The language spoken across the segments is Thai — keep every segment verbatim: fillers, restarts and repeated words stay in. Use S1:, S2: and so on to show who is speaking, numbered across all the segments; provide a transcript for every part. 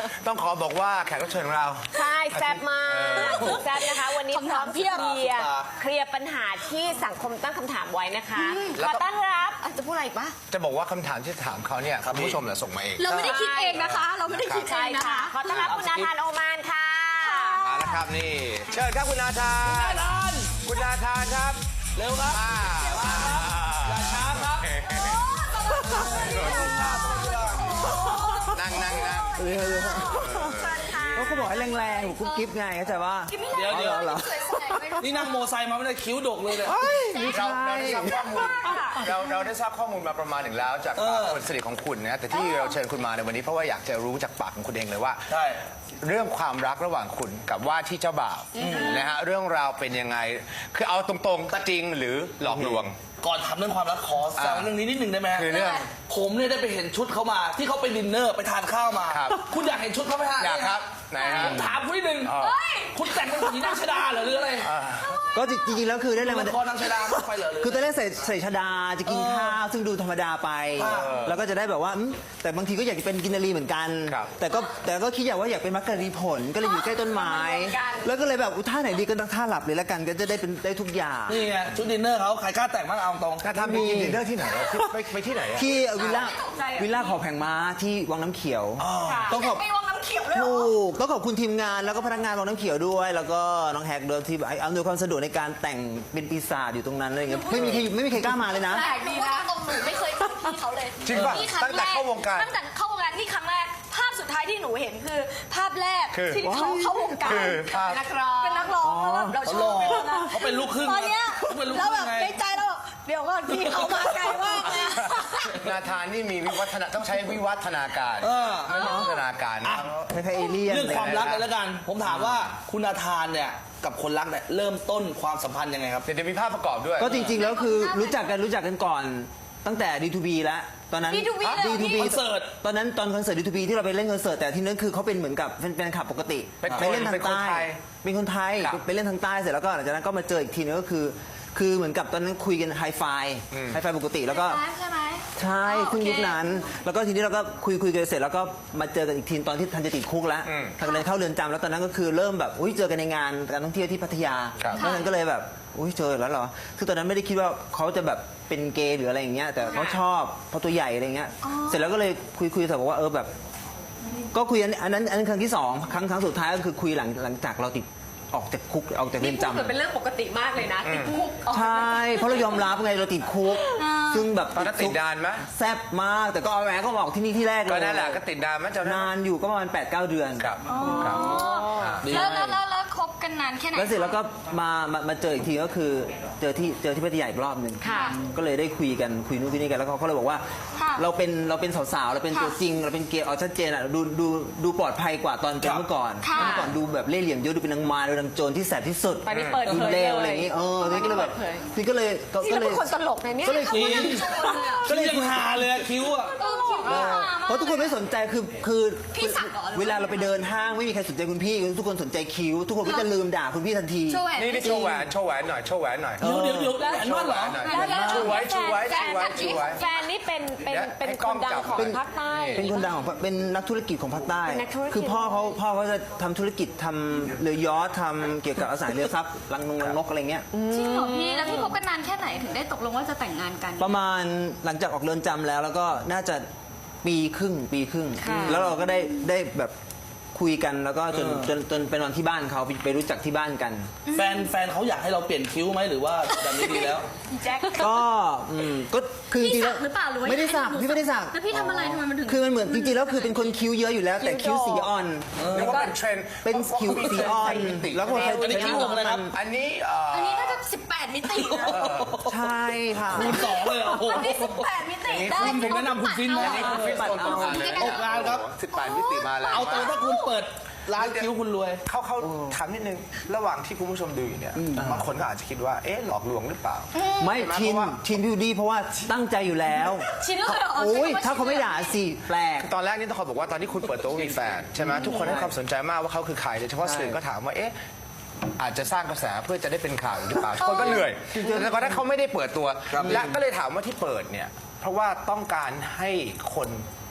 S1: ต้องขอบอกว่าแขกรับเชิญของเรา
S2: ใช่แซ่บมากแซ่บนะคะ วันนี้พร้อมเคลียร์เคลียร์ปัญหาที่สังคมตั้งคำถามไว้นะคะขอต้อนรับจะพูดอะไรอีกปะ
S1: จะบอกว่าคำถามที่ถามเขาเนี่ยคุณผู้ชมเนี่ยส่งมาเอง
S3: เราไม่ได้คิดเองนะคะ เราไม่ได้คิดเองนะคะ
S2: ขอต้อนรับคุณนาธานโอมานค่ะ
S1: มาแล้วครับนี่เชิญครับคุณนาธานคุณนาธานครับเร็วครับมาอย่าช้าครับนั่งนั่งนั่ง
S4: ก็เขาบอกให้แรงๆผมกุ๊บกิ๊บไงเข้าใจว่า
S5: เดี๋ยวเดี๋ยว
S4: เหรอ
S5: นี่นั่งโมไซค์มาไม่ได้คิ้วดกเลยเนี่ย
S1: เราเราได้ทราบข้อมูลเราเราได้ทราบข้อมูลมาประมาณหนึ่งแล้วจากปากคนสนิทของคุณนะแต่ที่เราเชิญคุณมาในวันนี้เพราะว่าอยากจะรู้จากปากของคุณเองเลยว่า
S5: ใช่
S1: เรื่องความรักระหว่างคุณกับว่าที่เจ้าบ่าวนะฮะเรื่องราวเป็นยังไงคือเอาตรงๆจริงหรือหลอกลวง
S5: ก่อนทำเรื่องความรักขอแซวเรื่องนี้นิดนึงได้ไหม
S1: คือเรื่อง
S5: ผมเนี่ยได้ไปเห็นชุดเขามาที่เขาไปดินเนอร์ไปทานข้าวมา
S1: ครับ
S5: คุณอยากเห็นชุดเขาไหมฮะ
S1: อยากครับไหนฮะ
S5: ผมถามคุณนิดนึง
S1: อ๋อ
S5: คุณแต่งเป็นผีนางชดาเหรอหรืออะไร
S4: ก็จริงๆแล้วคือได้แรง
S5: ละ
S4: บัน
S5: ครนางชดามากไปเหรอหรือ
S4: คือตอนแรกใส่ใส่ชดาจะกิน
S5: เออ
S4: ข้าวซึ่งดูธรรมดาไป
S5: เออ
S4: แล้วก็จะได้แบบว่าอืมแต่บางทีก็อยากจะเป็นกินนารีเหมือนกัน
S1: ครับ
S4: แต่ก็แต่ก็คิดอยากว่าอยากเป็นมักกะรีผลก็เลยอยู่ใกล้ต้นไม้ แล้วก็เลยแบบอุ๊ยท่าไหนดีก็ต้องท่าหลับเลยละกันก็จะได้เป็นได้ทุกอย่าง
S5: นี่ไงชุดดินเนอร์เขาใครกล้าแต่งบ้างเอาตรง
S1: ถ้าทำไปกินดินเนอร์ที่ไหนอะที่ไปไปที่ไหนอะ
S4: ที่วิลล่าวิลล่าขอแผงม้าที่วังน้ำเขียวต้องขอบ
S3: ไปวางน้ำเขียวเลยเหรอ
S4: ถูกต้องขอบคุณทีมงานแล้วก็พนักงานวังน้ำเขียวด้วย แล้วก็น้องแฮกเดิมที่อำนวยความสะดวกในการแต่งเป็นปีศาจอยู่ตรงนั้นอะไรอย่างเงี้ยไม่มีใครไม่มีใครกล้ามาเลยนะ
S3: แปลกดีนะตรงหนูไม่เคยเจอพี่เขาเลย
S1: จริงป่ะ
S3: นี่ครั้
S1: ตั้งแต่เข้าวงการ
S3: ตั้งแต่เข้าวงการนี่ครั้งแรก ภาพสุดท้ายที่หนูเห็นคือ ภาพแรก
S1: คือ
S3: ที่เขาเข้าวงการ
S1: คือภาพ
S3: นักร้องเป็นนักร้องแล้วแบบเราช
S5: เขาห
S3: อ
S5: ล่
S3: บ
S5: อ
S3: ไปแล้วนะ
S5: เขาเป็นลูกครึ่ง
S3: ตอนเนี้ย
S5: เขาเป็นลูกค
S3: แล้ว
S5: รึ่
S3: แบ
S5: ง
S3: บ
S5: ไง
S3: ในใจเราแบบเดี๋ยวก่อนพี่เขามาไกลมากเลยอะ
S1: นาธานนี่มีวิวัฒนาต้องใช้วิวัฒนาการ
S5: เออ
S1: ไม่ใช่วิวัฒนาการนะ
S4: คล้ายๆเอเลี่ยน
S5: เรื่องความรักเลยแล้วกัน ผมถามว่าคุณอาทานเนี่ยกับคนรักเนี่ยเริ่มต้นความสัมพันธ์ยังไงครับ
S1: เดี๋ยวจะมีภาพประกอบด้วย
S4: ก็จริงๆแล้วคือรู้จักกันรู้จักกันก่อนตั้งแต่ ดี ทู บี แล้วตอนนั้น
S3: ดี ทู บี เลยเหรอ
S4: ดี ทู บี
S5: คอนเสิร์ต
S4: ตอนนั้นตอนคอนเสิร์ต ดี ทู บี ที่เราไปเล่นคอนเสิร์ตแต่ที่นั้นคือเขาเป็นเหมือนกับเป็นแฟนคลับปกติ
S1: เป็นคน
S4: ไปเล่นทาง
S1: เป็นคน
S4: ใต้
S1: ไทย
S4: เป็นคนไทย
S1: ครับ
S4: ไปเล่นทางใต้เสร็จแล้วก็หลังจากนั้นก็มาเจออีกทีนึงก็คือ คือเหมือนกับตอนนั้นคุยกันไฮไฟไฮไฟปกติแล้วก็
S3: ใช่ไหม
S4: ใช่
S3: อ๋อ
S4: เพิ่ง
S3: โอเค
S4: ยุคนั้น แล้วก็ทีนี้เราก็คุยคุยกันเสร็จแล้วก็มาเจอกันอีกทีตอนที่ทันจะติดคุกแล้ว
S1: อืม
S4: ทันกำลังเข้าเรือนจำแล้วตอนนั้นก็คือเริ่มแบบอุ้ยเจอกันในงานการท่องเที่ยวที่พัทยา
S1: ครับ
S4: แล้วนั้นก็เลยแบบอุ้ยเจอแล้วเหรอคือตอนนั้นไม่ได้คิดว่าเขาจะแบบเป็นเกย์หรืออะไรอย่างเงี้ยแต่เขาชอบเพราะตัวใหญ่อะไรเงี้ยเสร็จแล้วก็เลยคุยคุยแต่บอกว่าเออแบบ ก็คุยอันอันนั้นอันนั้นครั้งที่สองครั้งครั้งสุดท้ายก็คือคุยหลังหลังจากเราติดออกจากคุกออกจากเรือนจำ
S2: เกิดเป็นเรื่องปกติมากเลยนะติดคุก
S4: ใช่ เพราะเรายอมรับไงเราติดคุก ซึ่งแบบ
S1: ตอนนั้นติดนานไหม
S4: แซ่บมาก แต่ก็เอาแหวนก็บอกที่นี่ที่แรกเลย
S1: ก็นั่นแหละก็ติดนานไหมเจ้านั้น
S4: นานอยู่ก็ประมาณแปดเก้าเดือน
S1: ครับครับ
S3: แล้วแล้วแล้วแล้วคบกันนานแค่ไหน
S4: แล้วเสร็จแล้วก็มามามาเจออีกทีก็คือเจอที่เจอที่พัทยาอีกรอบหนึ่ง
S2: ค่ะ
S4: ก็เลยได้คุยกันคุยนู่นคุยนี่กันแล้วเขาก็เลยบอกว่า
S3: ค่ะ
S4: เราเป็นเราเป็นสาวๆเราเป็น
S3: ค่ะ
S4: ตัวจริง เราเป็นเกย์เอาชัดเจนอ่ะดูดูดูปลอดภัยกว่าตอนเป็น
S5: ครับ
S4: เมื่อก่อน
S3: ค่ะ
S4: เมื่อก่อนดูแบบเล่ห์เหลี่ยมเยอะดูเป็นนางมารดูนางโจรที่แสบที่สุด
S2: ตอนนี้เปิดเผย
S4: ดูเลว
S2: เลย
S4: อะไรอย่างงี้เออนี่ก็เลยแบบ
S2: เปิดเผย
S4: นี่ก็เลยก็
S2: นี่
S4: ก็
S2: เรา
S4: เล
S2: เป็
S4: ย
S2: นคนตลกนะเนี่ย
S4: ก็เลย
S5: จริงก็ยังหาเลยอะคิ้วอะ
S3: เออหล่อมาก
S4: เพราะทุกคนไม่สนใจคือคือ
S3: พี่สักเหรอหรือว่า
S4: เวลาเราไปเดินห้างไม่มีใครสนใจคุณพี่ทุกคนสนใจคิ้ว ทุกคนก็จะลืมด่าคุณพี่ทันที
S3: โชว์แหวน
S1: นี่นี่โชว์แหวนโชว์แหวนหน่อยโชว์แหวนหน่อย
S5: เดี๋ยวเดี๋ยวเดี๋ยวแหวน
S1: โช
S5: มั่
S1: ว์
S5: น
S1: แห
S5: เห
S1: ว
S5: รอ
S1: นหน่อย
S2: แล้วแล้ว
S1: ชูไว้ชูไว้ชูไว้ชูไว้
S2: แฟนนี่เป็นเป็น
S1: เดี๋ยว
S2: เป็น
S1: ให้
S2: ค
S1: กล้อง
S2: นดัง
S1: จับ
S2: ของ
S4: เป็น
S2: ภาคใต้
S4: เป็นคนดังของเป็นนักธุรกิจของภาคใต้
S2: เป็นนักธุรกิจ
S4: คือพ่อเขาพ่อเขาจะทำธุรกิจทำเรือยอชต์ทำเกี่ยวกับอสังหาริมทรัพย์รังนงรังนกอะไรเงี้ย
S3: จริงเหรอพี่ แล้วพี่คบกันนานแค่ไหนถึงได้ตกลงว่าจะแต่งงานกัน
S4: ประมาณหลังจากออกเรือนจำแล้วแล้วก็น่าจะปีครึ่งปีครึ่ง
S2: ค่ะ
S4: แล้วเราก็ได้ได้แบบคุยกันแล้วก็จน
S5: เออ
S4: จนจนไปนอนที่บ้านเขาไปไปรู้จักที่บ้านกัน
S5: แฟนแฟนเขาอยากให้เราเปลี่ยนคิ้วไหมหรือว่าแบบนี้ดีแล้ว
S3: แจ็ค
S4: ก็อืมก็คือจ
S3: พี่
S4: ริงๆ
S3: สั
S4: แล้ว
S3: กหรือเปล่าหรือว่า
S4: ไม่ได้สักพี่ไม่ได้สัก
S3: แล้วพี่ทำอะไรทำไมมันถึง
S4: คือมันเหมือนจริงๆแล้วคือเป็นคนคิ้วเยอะอยู่แล้ว แต่คิ้วสีอ่อน
S1: เรียกว่าเป็นเทรนด์
S4: เป็นคิ้วสีอ่อน แล้วก็ใช้
S5: อันนี้คิ้วของอะไรครับ
S1: อันนี้เอ่อ
S3: อันนี้น่าจะสิบแปดมิตินะ
S4: ใช่ค่ะ
S5: คูณสองเลยเหรอโอ้โห
S3: อันนี้สิบแปดมิติได้
S5: คุณผมแนะนำคุณฟินนะ
S1: อันนี้คุณฟิตโซนตรงกันเลย
S5: ออกงานครับ
S1: สิบแปดมิติมาแล้ว
S5: เอาตัวถ้าคุณเปิดร้านคิ้วคุณรวย
S1: เขาเขาถามนิดนึงระหว่างที่คุณผู้ชมดูอยู่เนี่ยบางคนก็อาจจะคิดว่าเอ๊ะหลอกลวงหรือเปล่า
S4: ไม่
S1: ใช่ไหม
S4: ชิน
S1: เพราะว่า
S4: ชินพี่ดีเพราะว่าตั้งใจอยู่แล้ว
S3: ชินเลยเหรอ
S4: โอ้ย
S3: ใช้คำว่
S4: ถ้าเขาไม่ด่าสิแปลก
S1: ตอนแรกนี่ต้องขอบอกว่าตอนที่คุณเปิดตัวว่ามีแฟนใช่ไหมทุกคนให้ความสนใจมากว่าเขาคือใครโดยเฉพาะสื่อก็ถามว่าเอ๊ะอาจจะสร้างกระแสเพื่อจะได้เป็นข่าวหรือเปล่าทุกคนก็เหนื่อยแต่ก็ถ้าเขาไม่ได้เปิดตัวและก็เลยถามว่าที่เปิดเนี่ยเพราะว่าต้องการให้คน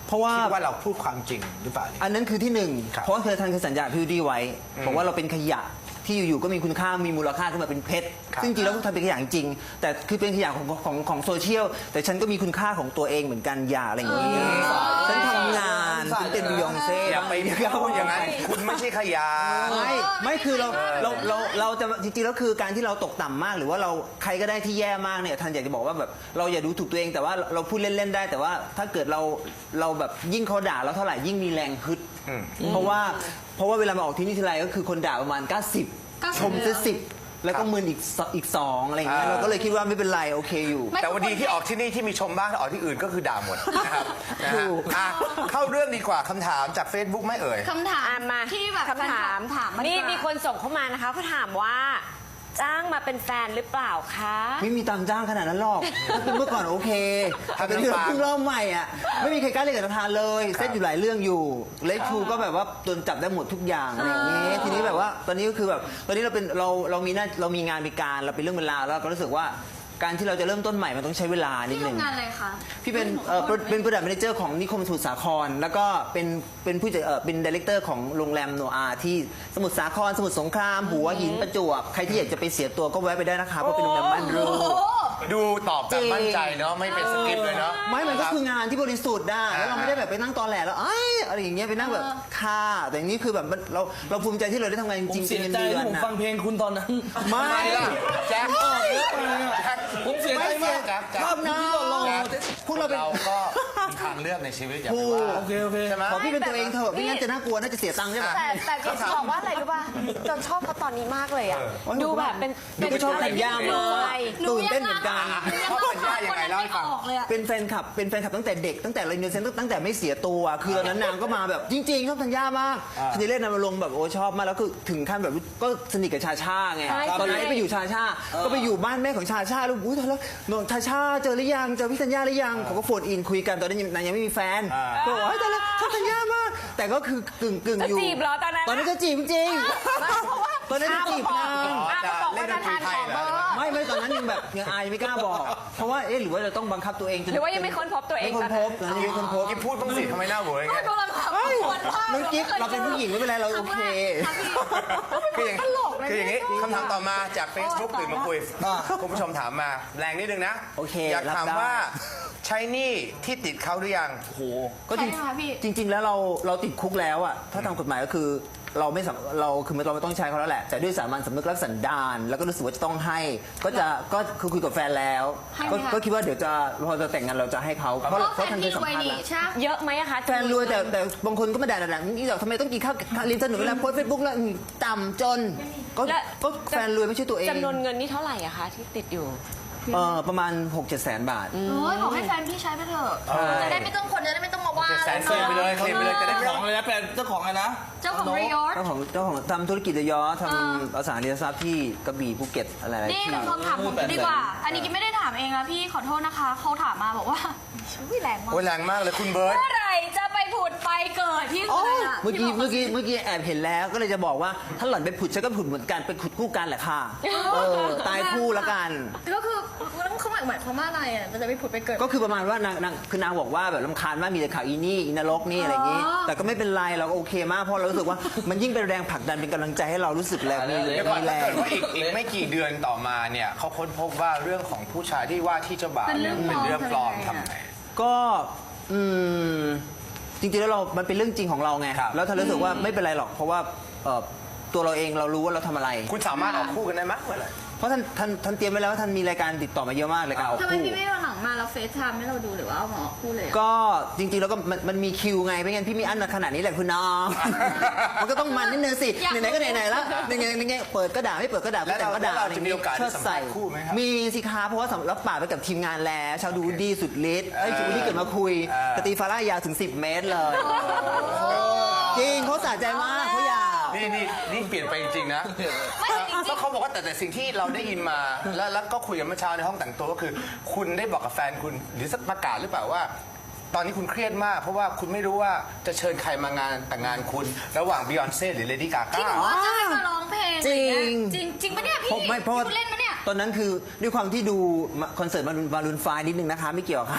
S4: เพราะว่า
S1: คิดว่าเราพูดความจริงหรือเปล่าเนี่ย
S4: อันนั้นคือที่หนึ่ง
S1: ครับ
S4: เพราะว่าเคยทันเคยสัญญากับพี่วูดดี้ไว้บอกว่าเราเป็นขยะที่อยู่ๆก็มีคุณค่ามีมูลค่าขึ้นมาเป็นเพชร
S1: ครับ
S4: ซึ่งจริงๆแล้วทำเป็นขยะจริงๆแต่คือเป็นขยะของของของโซเชียลแต่ฉันก็มีคุณค่าของตัวเองเหมือนกันอย่าอะไรอย่างนี้ฉันทำงานฉันเป็นบิยองเซ่
S1: อย่าไปพูดอย่างนั้นคุณไม่ใช่ขยะ
S4: ไม่ไม่คือเราเราเราเราจะจริงๆแล้วคือการที่เราตกต่ำมากหรือว่าเราใครก็ได้ที่แย่มากเนี่ยทันอยากจะบอกว่าแบบเราอย่าดูถูกตัวเองแต่ว่าเราพูดเล่นๆได้ แต่ว่าถ้าเกิดเราเราแบบยิ่งเขาด่าเราเท่าไหร่ยิ่งมีแรงฮึดเพราะว่าเพราะว่าเวลามาออกที่นี่ทีไรก็คือคนด่าประมาณเก้าสิบชมจะสิบแล้วก็มืนอีกสอีกสองอะไรอย่างเงี้ย
S1: อ่า
S4: เราก็เลยคิดว่าไม่เป็นไรโอเคอยู่
S1: แต่วันดีที่ออกที่นี่ที่มีชมบ้างถ้าออกที่อื่นก็คือด่าหมดนะครับนะฮะ
S4: ถูก
S1: อ่ะเข้าเรื่องดีกว่าคำถามจาก Facebook ไม่เอ่ย
S3: คำถา
S2: อ่ะ
S3: ม
S2: มา
S3: ที่แบบ
S2: คำถาม
S3: ถามมา
S2: นี่
S3: ดีกว่า
S2: มีคนส่งเข้ามานะคะเขาถามว่า จ้างมาเป็นแฟนหรือเปล่าคะ
S4: ไม่มีตังค์จ้างขนาดนั้นหรอกเมื่อก่อนโอเค
S1: ทำ
S4: แต่เป็นเรื่อง
S1: น้ำปลา
S4: เพิ่งเริ่มใหม่อ่ะไม่มีใครกล้าเล่นกับทานเลยเซตอยู่หลายเรื่องอยู่เลคทูก็แบบว่าโดนจับได้หมดทุกอย่างอะไรอย่างเงี้ยทีนี้แบบว่าตอนนี้ก็คือแบบตอนนี้เราเป็นเราเรามีหน้าเรามีงานมีการเราเป็นเรื่องเวลาวแล้วเราก็รู้สึกว่าการที่เราจะเริ่มต้นใหม่มันต้องใช้เวลานิด
S3: พี่
S4: นึง
S3: ทำงานอะไรคะ
S4: พี่เป็นเอ่อเป็นผู้จัดแมเนเจอร์ของนิคมสมุทรสาคร แล้วก็เป็นเป็นผู้จัดเอ่อเป็นดีเลกเตอร์ของโรงแรมโนอาที่สมุทรสาครสมุทรสงครามหัวหินประจวบใครที่อยากจะไปเสียตัวก็แวะไปได้นะคะเพราะเป็นโรงแรมม่านรูด
S1: ดูตอบแบบมั่นใจเนาะไม่เป็นสคริปต์เลยเนาะ
S4: ไม่มันก็คืองานที่บริสุทธิ์ได้แล้วเรา
S1: อ่า
S4: ไม่ได้แบบไปนั่งตอแหลแล้วเอ้ยอะไรอย่างเงี้ยไปนั่งแบบค่าแต่อย่างนี้คือแบบมันเราเราภูมิใจที่เราได้ทำงานจ
S5: ผม
S4: ริงๆ
S5: เสีย
S4: เป็น
S5: ใจ
S4: เดือน
S5: ที่ผม
S4: นะ
S5: ฟังเพลงคุณตอนนั้น
S4: ไม่
S1: แจ็คแจ็ค
S5: ผมเสียใจมาก
S1: แจ็คแจ็ค
S5: ภาพคุณที่หล่อ
S1: แจ็ค
S4: พวกเราเป็น
S1: เราก็มีทางเลือกในชีวิตอย่าไป
S4: ถูก
S1: ว่า
S5: โอเคโอเค
S1: ใช่ไหม
S4: ขอพี่เป็นตัวเองเถอะไม่งั้นจะน่ากลัวน่าจะเสียตังค์ใช่ไหม
S2: แต่แต่จริงๆบอกว่าอะไรรู้ป่ะจนชอบเขาตอนนี้มากเลยอ่ะ
S4: เออ
S2: ดูแบบเป็น
S4: ดูก็ชอบธัญญา
S2: เล
S4: มาก
S2: ย
S4: ตื่นเต้นเหมือนกัน
S1: ชอบธัญญายังไงเล่าให้ฟัง
S3: ออกเลยอะ
S4: เป็นแฟนคลับ เป็นแฟนคลับตั้งแต่เด็ก ตั้งแต่เราอินโนเซนต์ตั้งแต่ไม่เสียตัว คือตอนนั้นนางก็มาแบบจริงๆชอบธัญญามากทีเล่นนำมาลงแบบโอ้ชอบมาก แล้วคือถึงขั้นแบบก็สนิทกับชาชาไง
S2: ใช่
S4: ตอนนั้น
S2: ใช่
S4: ไปอยู่ชาชา ก็ไปอยู่บ้านแม่ของชาชาแล้วอุ้ยตอนแล้วน้องชาชาเจอหรือยัง เจอพี่ธัญญาหรือยังเขาก็โฟนอินคุยกันตอนนั้นยังนางยังไม่มีแฟนก็บอกว่าเฮ้ยตอนแล้วชอบธัญญามาก แต่ก็คือกึ่งกึ่งๆอยู่
S2: จะจีบเหรอตอนนั้น
S4: ตอนนั้นก็จีบจริง ตอนนั้นจะจีบนาง
S2: อ้าวเขาบอกว่าจะทานของเบอร์
S4: ไม่ไม่ตอนนั้นยังแบบยังอายไม่กล้าบอก เพราะว่าเอ๊ะหรือว่าจะต้องบังคับตัวเองจน
S2: หรือว่ายังไม่ค้นพบตัวเอง
S4: ไม่ค้นพบตอนนั้นยังไม่ค้นพบ
S1: กิ๊บพูดบ้างสิทำไมหน้าเหวออย่างเงี้ย
S3: กำลังทำ
S4: เฮ้ย
S3: คนมาก
S4: น้องกิ๊บเราเป็นผู้หญิงไม่เป็นไรเราโอเค
S1: คืออย่างคืออย่างนี้คำถามต่อมาจาก Facebook ตื่นมาคุย
S5: อ่า
S1: คุณผู้ชมถามมาแรงนิดนึงนะ
S4: โอเค
S1: อยากถาม
S4: รับได้
S1: ว่าใช้หนี้ที่ติดเขาหรือยัง
S5: โอ้โห
S4: ก็จริง
S3: ใช่ไหมคะพี่
S4: จริง ๆ แล้วเราเราติดคุกแล้วอะถ้าตามกฎหมายก็คือเราไม่สามเราคือเราไม่ต้องใช้เขาแล้วแหละแต่ด้วยสามัญสำนึกรักสันดานแล้วก็รู้สึกว่าจะต้องให้ ก็จะก็คือคุยกับแฟนแล้ว
S3: ให้ไหม
S4: ก็
S3: คะ
S4: ก็คิดว่าเดี๋ยวจะพอจะแต่งงานเราจะให้เขาเพราะ
S3: เพราะ
S4: เพ
S3: แฟ
S4: ราะ
S3: น
S4: ทันเค
S3: พี่
S4: ยสัม
S3: รวย
S4: ภาษณ์
S3: นี่
S4: แล้ว
S3: ใช่ไหม
S2: เยอะไหมอะคะ
S4: แฟนรวยแต่แต่บางคนก็มาด่าด่านี่ทำไมต้องกินข้าวข้าวลิ้นสนุกเวลาโพสเฟซบุ๊กแล้วอืมต่ำจนก็
S2: และ
S4: ก็แฟนรวยไม่ใช่ตัวเอง
S2: จำนวนเงินนี่เท่าไหร่อะคะที่ติดอยู่
S4: เออประมาณหกเจ็ดแสนบาท
S3: โอ้ยบอกให้แฟนพี่ใช้ไปเถอะ
S1: ใช่
S3: จะได้ไม่ต้องคนจะได้ไม่ต้องมาว่า
S1: แสนเคลมไปเลยเคลมไปเลยจะได้ไม่
S5: ข
S1: ต้
S5: อ
S1: อง ง
S5: อะไรนะเป็นเจ้าของอะไรนะ
S3: เจ้าของรียอร์
S4: เจ้าของเจ้าของทำธุรกิจเรือยอทำอสังหาริมทรัพย์ที่กระบี่ภูเก็ตอะไรๆ
S3: นี่
S4: ที่
S3: คำถามผมดีกว่า อันนี้กิ๊บไม่ได้ถามเองนะพี่ขอโทษนะคะ เขาถามมาบอกว่าอุ้ยแรงมาก
S1: โอ้ยแรงมากเลยคุณเบิร์ต
S3: เมื่อไหร่จะไปผุดไปเกิดที่
S4: โอ้
S3: สุด
S4: ย
S3: อะ
S4: เมื่อกี้
S3: ที่บ
S4: เมื่อกี้เมื่อกี้แอบเห็นแล้วก็เลยจะบอกว่าถ้าหล่อนไปผุดฉันก็ผุดเหมือนกันไปขุดคู่กันแหละค่ะเออตายคู่ละกัน
S3: ก็คือแล้วเขาหมายหมายความว่าอะไรอ่ะจะไปผุดไปเกิด
S4: ก็คือประมาณว่านางนางคือนางบอกว่าแบบลำคาญมากมีแต่ข่าวอีนี่อีนรกนี่อะไรอย่างงี้
S3: อ๋อ
S4: แต่ก็ไม่เป็นไรเราก็โอเคมากเพราะเรารู้สึกว่ามันยิ่งเป็นแรงผลักดันเป็นกำลังใจให้เรารู้สึกแรงมี
S1: เดี๋ยวก่อน
S4: มีแร
S1: ถ้าง เกิดว่าอีกอีกไม่กี่เดือนต่อมาเนี่ยเขาค้นพบว่าเรื่องของผู้ชายที่ว่าที่เจ้าบ่าวเนี่ยเป็นเรื่องปลอมทำไง
S4: ก็อืมจริงๆแล้วเรา มันเป็นเรื่องจริงของเราไง
S1: ครับ
S4: แล้วท่านรู้สึกว่าไม่เป็นไรหรอกเพราะว่าเอ่อตัวเราเองเรารู้ว่าเราทำอะไร
S1: คุณสามารถออกคู่กันได้ไหมเมื่อไหร่
S4: เพราะท่านท่านท่านเตรียมไว้แล้วว่าท่านมีรายการติดต่อมาเยอะมากรายการออก
S3: ทำไม
S4: คู่
S3: พี่ไม่เอาหนังมาแล้วเฟซไทม์ให้เราดูหรือว่าเอาหมอคู่เลยอะ
S4: ก็จริงๆแล้วก็มันมันมีคิวไงไม่งั้นพี่มีอันขนาดนี้แหละคุณน้อง มันก็ต้องมันนิดนึงสิไหนๆก็ไหนๆแล้วยังไงยังไงเปิดก็ด่าไม่เปิดก็ด่า
S1: แล้ว
S4: แต่ก็ด่า
S1: แล้วเราจะมีโอกาสได้สัมภาษณ์คู่ไหมครับ
S4: มีสิคะเพราะว่าสำรับปากไปกับทีมงานแล้วชาวดูดีสุดฤทธิ์ไอ้จูดี้เกิดมาคุยกตีฟาร่ายาวถึงสิบเมตรเลยจริงเขาสะใจมากเขาอยาก
S1: นี่นี่นี่เปลี่ยนไปจริงๆนะ
S3: ไม่จริง
S1: ก็เขาบอกว่าแต่แต่สิ่งที่เราได้ยินมาแล้วแล้วก็คุยกันเมื่อเช้าในห้องแต่งตัวก็คือ คุณได้บอกกับแฟนคุณหรือสักประกาศหรือเปล่าว่า ตอนนี้คุณเครียดมาก เพราะว่าคุณไม่รู้ว่าจะเชิญใครมางานแต่งงานคุณ ระหว่างบิยอนเซ่หรือเลดี้กา
S3: จริง
S1: ก้า
S3: เหรอจะให้มาร้องเพลง
S4: จริง
S3: จริงจริงปะเนี่ยพี่
S4: เพราะไม่เพราะว่า
S3: พี่เล่นปะเนี่ย
S4: ตอนนั้นคือด้วยความที่ดูคอนเสิร์ตมารุนมารุนไฟนิดนึงนะคะ ไม่เกี่ยวกับใคร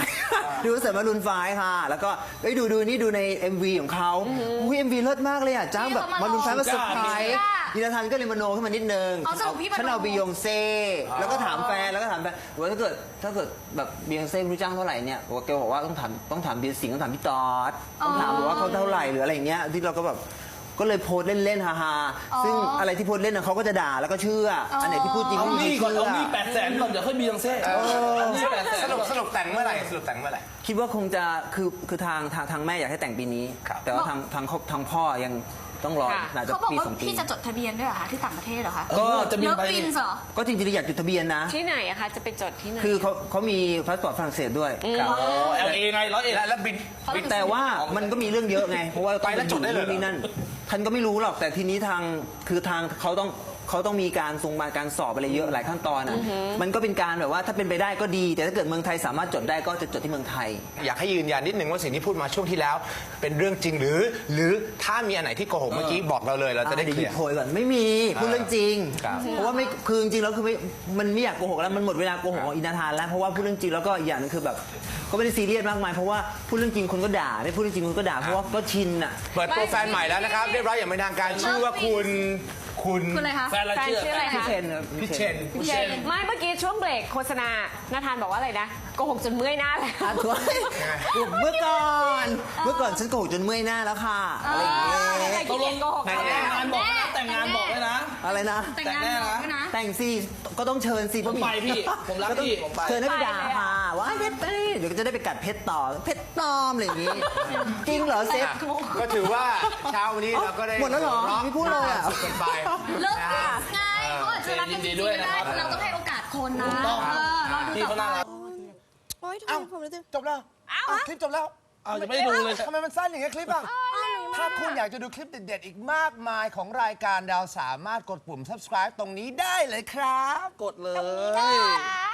S4: ดูคอนเสิร์ตมารุนไฟว์ค่ะ แล้วก็ไปดูดูนี่ดูใน เอ็ม วี ของเขาอุ้ย เอ็ม วี เลิศมากเลยอ่ะจ้างแบบมารุนไฟว์มาเซอร์ไพรส์ยินาธานก็เลยมโนขึ้นมานิดนึง
S3: เอาสรุปพี่มโน
S4: ฉันเอาบียองเซ่แล้วก็ถามแฟนแล้วก็ถามแฟนว่าถ้าเกิดถ้าเกิดแบบบียองเซ่ไม่รู้จ้างเท่าไหร่เนี่ยบอกว่าแกบอกว่าต้องถามต้องถามเบียร์สิงห์ต้องถามพี่ตอดต้องถามบอกว่าเขาเท่าไหร่หรืออะไรอย่างเงี้ยที่เราก็แบบก็เลยโพสต์เล่นๆฮาๆซึ่งอะไรที่โพสต์เล่นน่ะเขาก็จะด่าแล้วก็เชื่ออันไหนที่พูดจริง
S5: เอา
S4: ไม่มี
S5: นี่ก่อน
S4: เชื่
S5: เอา
S4: อ
S5: นี่แปดแสนก่อนเดี๋ยวค่อยมียังเซ่เอานี่แปดแสน
S1: สรุปสรุปแต่งเมื่อไหร่สรุปแต่งเมื่อไหร่
S4: คิดว่าคงจะคือคือทางทางทางแม่อยากให้แต่งปีนี้
S1: ครับ
S4: แต่ว่าทางทางทางพ่อยังต้องรอ
S2: ค่ะ
S4: น่าจะ
S3: เขาบอก
S4: ปี
S3: ว่า
S4: สองปี
S3: พี่จะจดทะเบียนด้วยเหรอคะที่ต่างประเทศเหรอคะ
S5: ก็จะบิน
S3: เลิฟ
S5: ไป
S3: ปินส์เหรอ
S4: ก็จริงๆอยากจดทะเบียนนะ
S2: ที่ไหนอะคะจะไปจดที่ไหน
S4: คือเขาเขามีพาสปอร์ตฝรั่งเศสด้วย
S1: ครับ
S5: โอ้เอลเอไงร้อยเอ็ด
S1: แล้วแล้วบินบิน
S4: แต่ว่ามันก็มีเรื่องเยอะไง เพราะว่า
S1: ไปแล้วจดได้เลยเหรอ
S4: นี่นั่นท่านก็ไม่รู้หรอกแต่ทีนี้ทางคือทางเขาต้องเขาต้องมีการทรงมาการสอบอะไรเยอะหลายขั้นตอนอ่ะมันก็เป็นการแบบว่าถ้าเป็นไปได้ก็ดี แต่ถ้าเกิดเมืองไทยสามารถจดได้ก็จะจดที่เมืองไทย
S1: อยากให้ยืนยันนิดนึงว่าสิ่งที่พูดมาช่วงที่แล้ว เป็นเรื่องจริงหรือ หรือถ้ามีอันไหนที่โกหกเมื่อกี้บอกเราเลยเราจะได้
S4: อ่
S1: เคลี
S4: ห
S1: ย
S4: บ
S1: ร์
S4: โพยก่อนไม่มีพูดเรื่องจริง
S1: ครับ
S4: เพราะว่าไม่คือจริงๆแล้วคือไม่มันไม่อยากโกหกแล้วมันหมดเวลาโกหกของอินาทานแล้วเพราะว่าพูดเรื่องจริงแล้วก็อีกอย่างหนึงคือแบบก็ไม่ได้ซีเรียสมากมายเพราะว่าพูดเรื่องจริงคนก็ด่าไม่พูดเรื่องจริงคนก็ด่าเพราะว่าก็ชินอ่ะ
S1: เปิดตัวแฟนใหม่แล้วนะครับ เรียบร้อยอย่างเป็นทางการชื่อว่าคุณคุณ
S3: คุณอะไรคะ
S5: แฟนเรา
S2: แฟน
S5: เชื่อ
S2: ชื่ออะไร
S4: พี่
S2: คะ
S4: เชนครับ
S1: พี่เชน
S5: พี่เชน
S2: ไม่เมื่อกี้ช่วงเบรกโฆษณานาธานบอกว่าอะไรนะโกหกจนเมื่อยหน้าเลย
S4: อ่ะทุกเมื่อก่อนเมื่อก่อนฉันโกหกจนเมื่อยหน้าแล้วค่ะอะไรอย่างเงี้ย
S5: ตกลง
S2: โกหก
S5: แต่งงานบอกนะแต่งงานบอกเลยนะ
S4: อะไรนะ
S3: แต่งงานบอกด้วยนะ
S4: แต่งสิก็ต้องเชิญสิ
S5: ผมไปพี่ผมรัก
S4: ต้อง
S5: พี่ผมไป
S4: เชิญให้ไปด่าค่ะว่าเพชรไปเดี๋ยวจะได้ไปกัดเพชรต่อเพชรปลอมอะไรอย่างงี้จริงเหรอเซฟ
S1: ก็ถือว่าเช้าวันนี้เราก็ได้
S4: หมดแล้วเหรอไม่พูดเลยอ่ะ
S1: สุดกันไป
S3: เลิฟปินส์ไงเขาอาจจะรักกันจริงๆก็ได้เราต้องให้โอกาสคนนะ
S5: ถูกต้อง
S3: เออเราดู
S5: พี่
S3: ต่อ
S5: เขาน่า
S3: ไป
S5: รัก
S6: โอ๊ยทำไมผมรู้สึก
S1: จบแล้วอ้าวคลิปจบแล้ว
S5: เอาจะไม่ได้ดูเลย
S1: ทำไมมันสั้นอย่างเงี้ยคลิปอ่ะ ถ้าคุณอยากจะดูคลิปเด็ดๆ อีกมากมายของรายการดาวสามารถกดปุ่ม subscribe ตรงนี้ได้เลยครับ
S5: กดเลย
S3: ได้